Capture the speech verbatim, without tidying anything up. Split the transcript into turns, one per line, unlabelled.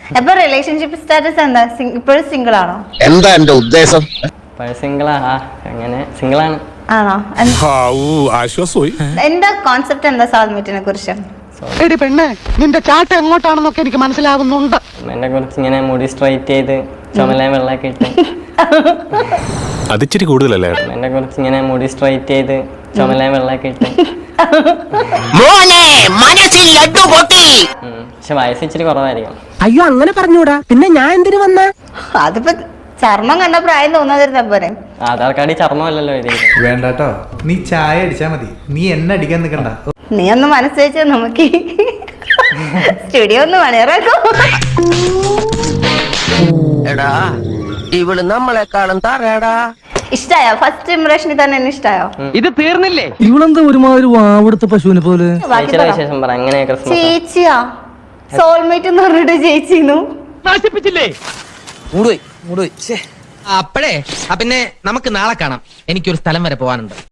അപ്പൊ relationship status എന്താ? ഇപ്പോഴും സിംഗിൾ ആണോ?
എന്താ എന്റെ ഉദ്ദേശം?
സിംഗിളാ അങ്ങനെ സിംഗിളാണ്.
ആണോ?
ആശ്വാസമായി.
എന്താ കോൺസെപ്റ്റ് എന്താ സോൾമേറ്റിനെ കുറിച്ച്?
എടി പെണ്ണെ, നിന്റെ ചാട്ട എങ്ങോട്ടാണെന്നൊക്കെ എനിക്ക് മനസ്സിലാവുന്നുണ്ട്.
എന്നെ കുറിച്ച് ഇങ്ങനെ മുടി സ്ട്രൈറ്റ് ചെയ്ത് ചുമല വെള്ളമൊക്കെ ഇട്ട്.
അതിച്ചിരി കൂടുതലല്ലേ?
എന്നെ കുറിച്ച് ഇങ്ങനെ മുടി സ്ട്രൈറ്റ് ചെയ്ത് ചുമല വെള്ളമൊക്കെ ഇട്ട്. പക്ഷെ വയസ്സ് ഇച്ചിരി കുറവായിരിക്കും.
അയ്യോ അങ്ങനെ പറഞ്ഞൂടാ, പിന്നെ ഞാൻ എന്തിനു വന്ന?
അതിപ്പോ ചർമ്മം കണ്ട പ്രായം തോന്നാതിരുന്ന പോരെ.
ആധാർ കാർഡിൽ ചർമ്മമല്ലല്ലോ എഴുതിയിരിക്കുന്നത്.
വേണ്ടാട്ടോ, നീ ചായ അടിച്ചാ മതി, നീ എന്നെ അടിക്കാൻ നിൽക്കണ്ട.
നീ ഒന്ന് മനസ്സ് വെച്ച നമുക്ക് സ്റ്റുഡിയോ ഒന്ന് പണിയിറക്കും.
എടാ ഇവള് നമ്മളെക്കാളും തറയടാ.
ഇഷ്ടായോ? ഫസ്റ്റ് ഇംപ്രഷനിൽ തന്നെ എന്നെ ഇഷ്ടായോ?
ഇത് തീർന്നില്ലേ?
ഇവളെന്താ ഒരുമാതിരി വാവെടുത്ത പശുവിനെ പോലെ.
ബാക്കി
ചേച്ചിയുടെ
പറ.
വിശേഷം പറ. എങ്ങനെ ക്രിസ്മസ്?
ചേച്ചിയാ സോൾമേറ്റ് എന്ന് പറഞ്ഞിട്ട് ചേച്ചിന്നു
നശിപ്പിച്ചില്ലേ?
മൂടുപോയി മൂടുപോയി. അപ്പഴേ പിന്നെ നമുക്ക് നാളെ കാണാം. എനിക്കൊരു സ്ഥലം വരെ പോകാനുണ്ട്.